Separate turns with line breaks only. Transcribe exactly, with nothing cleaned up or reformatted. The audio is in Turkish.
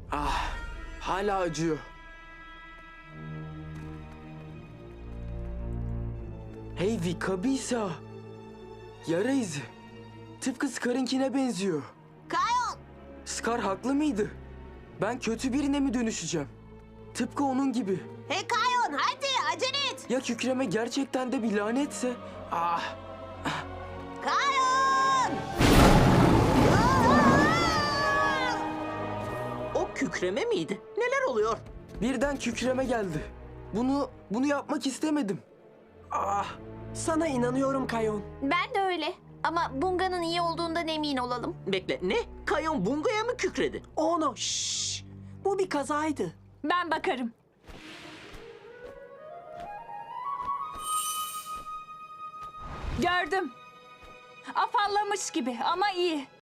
Ah, hala acıyor. Hey Vikabisa. Yara izi. Tıpkı Scar'ınkine benziyor.
Kayon!
Scar haklı mıydı? Ben kötü birine mi dönüşeceğim? Tıpkı onun gibi.
Hey Kayon, hadi acele et!
Ya kükreme gerçekten de bir lanetse? Ah,
Kayon!
O kükreme miydi? Neler oluyor?
birden kükreme geldi. Bunu, bunu yapmak istemedim. Ah,
Sana inanıyorum Kayon.
Ben de öyle. Ama Bunga'nın iyi olduğundan emin olalım.
Bekle, ne? Kayon Bunga'ya mı kükredi?
Ono, şşş. Bu bir kazaydı.
Ben bakarım. Gördüm. Afallamış gibi ama iyi.